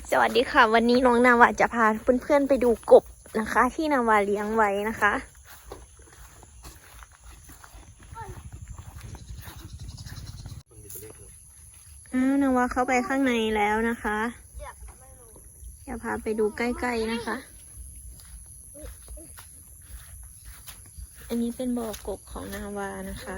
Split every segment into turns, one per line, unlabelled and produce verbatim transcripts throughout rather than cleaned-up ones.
สวัสดีค่ะวันนี้น้องนาวาจะพาเพื่อนๆไปดูกบนะคะที่นาวาเลี้ยงไว้นะคะอ้าวนาวาเข้าไปข้างในแล้วนะคะจะพาไปดูใกล้ๆนะคะอันนี้เป็นบ่อกบของนาวานะคะ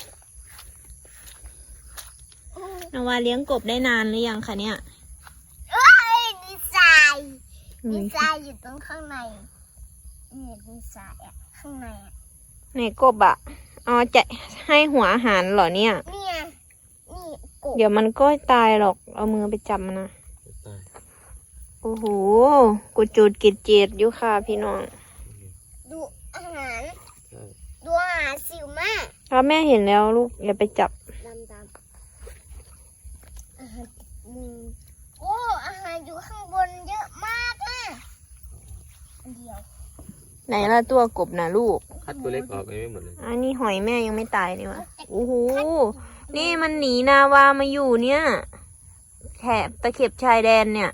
นาวาเลี้ยงกบได้นานหรือยังคะเนี่ย
ดีไซน์ดีไซน์อยู่ตรงข้างในนี่ดีไซน์อ่ะข้างในอ่ะ
ไหนกบอ่ะอ๋อจะให้หัวอาหารเหรอเนี่ย
เนี่ยนี่กบ
เดี๋ยวมันก็ตายหรอกเอามือไปจับมันนะโอ้โหกูจูดกิดเจ็ดอยู่ค่ะพี่น้อง
ดูอาหารดูอาหารสิวมาก
แล้วแม่เห็นแล้วลูกอย่าไปจับ
ดำดำอาหารมือโอ้อาหารอยู่ข้างบนเยอะมากนะอันเดียว
ไหนล่ะตัวกบนะลูก
คัดตัวเล็กออกไม่หมดเลย
อันนี้หอยแม่ยังไม่ตายนี่วะโอ้โหนี่มันหนีนาวามาอยู่เนี่ยแถบตะเข็บชายแดนเนี่ย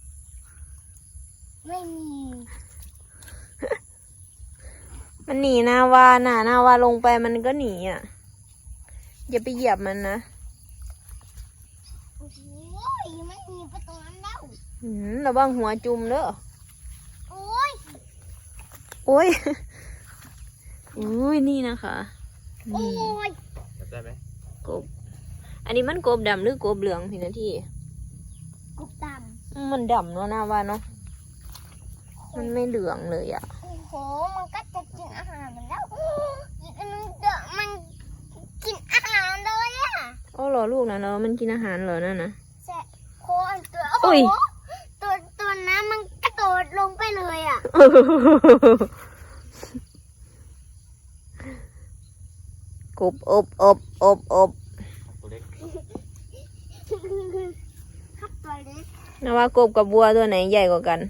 ไม่มี
มันหนีนาวาน่ะนาวาลงไปมันก็หนีอ่ะอย่าไปเหยียบมันนะ
โอ้โหมันหนีไปตรงนั้นแล้ว
อืมระวังหัวจุ่มเด้อ
โอ้ย
โอ้ยอุ้ยนี่นะคะ
โอ้ย
จับได้ไหม
กบอันนี้มันกบดำหรือกบเหลืองพี่นาที
กบด
ำมันดำเนาะนาวาเนาะมันไม่เหลืองเลยอ่ะ
โอ้โหมันก็จะกินอาหารมันแล้วอีกอันนึงเดี๋ยวมันกินอาหารเลยอ่ะ
อ๋อเหรอลูกนะเนาะมันกินอาหารเหรอนั่นนะ
ใช่โคอันตัวโอ้โหตัวตัวน้ำมันกระโดดลงไปเลยอ่ะ
กบอบอบอบอบ
ตัวเล็ก
ครับตัวเล็ก
นะว่ากบกับบัวตัวไหนใหญ่กว่ากัน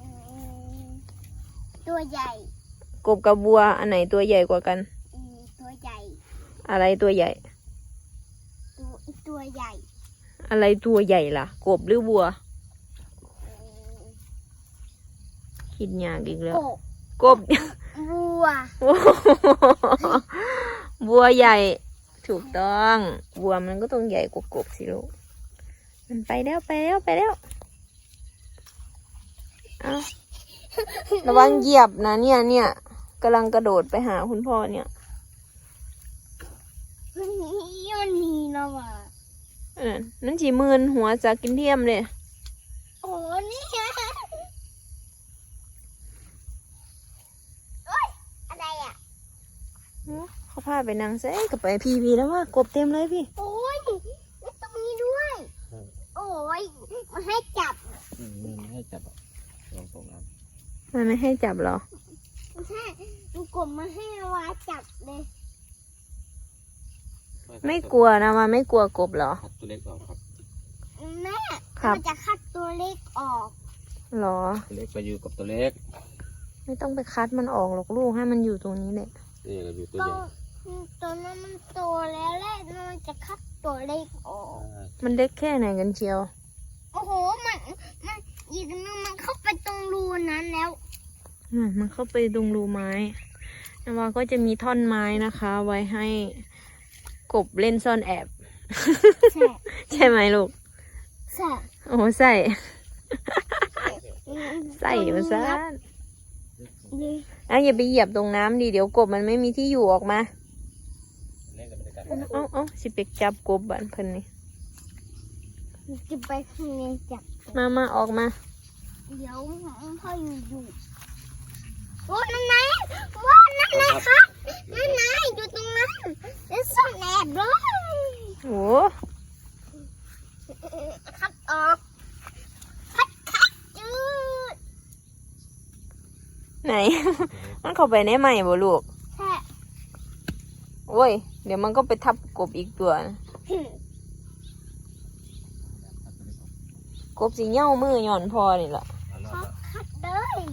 ตัวใหญ่
กบกับบัวอันไหนตัวใหญ่กว่ากัน
ตัวใหญ่
อะไรตัวใหญ่
ตัวตัวใหญ่
อะไรตัวใหญ่ล่ะกบหรือบัวคิดยากอีกแล้วกบ
บัว
บัวใหญ่ถูกต้องบัวมันก็ต้องใหญ่กว่ากบสิลูกมันไปแล้วไปแล้วไปแล้วเอาระวังเหยียบนะเนี่ยเนี่ยกำลังกระโดดไปหาคุณพ่อเนี่ย
มันนี่มันนี่นะวะ
เออนั่นจีมืนหัวจากกินเทียมเลย
โอ้นี่ไงโอ๊ยอะไรอ่ะ
เขาพาไปนางเซ่กับไปพีพีแล้วว่ากบเต็มเลยพี่
โอ้ยแล้วตรงนี้ด้วยโอ้ยมาให้จับ
มันไม่ให้จับลองตรงนั้น
มันไม่ให้จับหรอ
ไม่ใช่มันกบมาให้วาจับเลย
ไม่กลัวนะมันไม่กลัวกบหรอ
คัดตัวเล็กออกครับ
แม่มันจะคัดตัวเล็กออก
หรอ
ตัวเล็กไปอยู่กับตัวเล็ก
ไม่ต้องไปคัดมันออกหรอกลูกให้มันอยู่ตรงนี้แหละ
นี่เราอยู่ตัวใหญ่
ตัวนั้นมันโตแล้วแหละมันจะคัดตัวเล็กออก
มันเล็กแค่ไหนกันเชียว
โอ้โหมันมันอีกนึงมันเข้าไปตรงรูนั้นแล้ว
มันเข้าไปตรงรูไม้นาวาก็จะมีท่อนไม้นะคะ ไว้ให้กบเล่นซ่อนแอบใช่ ใช่ไหมลูก
ใช่
โอ้ใส่ใส่มาซะอ่ะอย่าไปเหยียบตรงน้ำดิเดี๋ยวกบมันไม่มีที่อยู่ออกมาเอ้าเอ้าสิไปจับกบบ้านเพิ่นนี่
จะไปข้างในจับ
มามาออกมา
เดี๋ยวพ่ออยู่อยู่โอ้นั่นไงว้านั่นไงครับนั่นไงอยู่ตรงนั้นแล้วซ่อนแอบด้วย
โอ้
คัดออกคัดคัดจืด
ไหน มันเข้าไปในใหม่บ่ลูก
ใช่
โอ้ยเดี๋ยวมันก็ไปทับกบอีกตัวนะกบสีเง่ามือหย่อนพอนี่แหละ
คัดเลย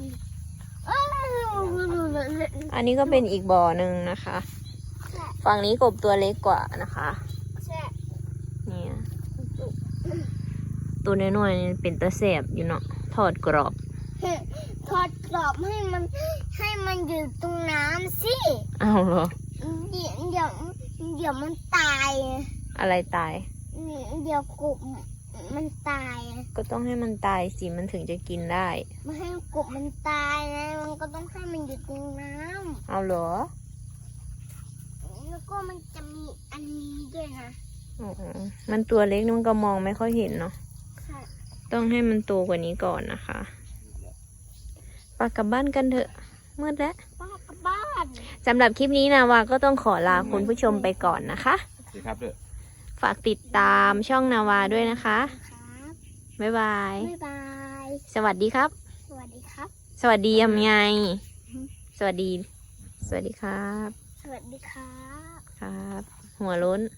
อันนี้ก็เป็นอีกบ่อหนึ่งนะคะฝั่งนี้กบตัวเล็กกว่านะคะเนี่ยตัวน้อยๆนี่เป็นตะแสบอยู่เนาะทอดกรอบ
ทอดกรอบให้มันให้มันอยู่ตรงน้ำสิ
เอาเหรอ
เดี๋ยวเดี๋ยวเดี๋ยวมันตาย
อะไรตาย
เดี๋ยวกบมันตาย
ก็ต้องให้มันตายสิมันถึงจะกินได้
ไม่ให้กบมันตายนะมันก็ต้องให้มันอยู่ตรงน้
เอาเหรอ
ำแล้วก็มันจะมีอันนี้ด้วยนะ
อ๋อมันตัวเล็กมันก็มองไม่ค่อยเห็นเนาะ
ใช่
ต้องให้มันโตกว่านี้ก่อนนะคะปากกลับบ้านกันเถอะมืดแล้ว
ป้ากลับบ้าน
สำหรับคลิปนี้นะวาก็ต้องขอลาคุณผู้ชมไปก่อนนะคะ
ดีครับเด้อ
ฝากติดตามช่องนาวาด้วยนะคะ
ครับ
บ๊ายบาย
บ๊ายบาย
สวัสดีครับ
สวัสดีครับ
สวัสดียังไง สวัสดี สวัสดีครับ
สวัสดีครับ
ครับ หัวล้น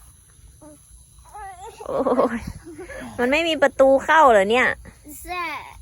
โอ้ยมันไม่มีประตูเข้าเหรอเนี่ย
แซ่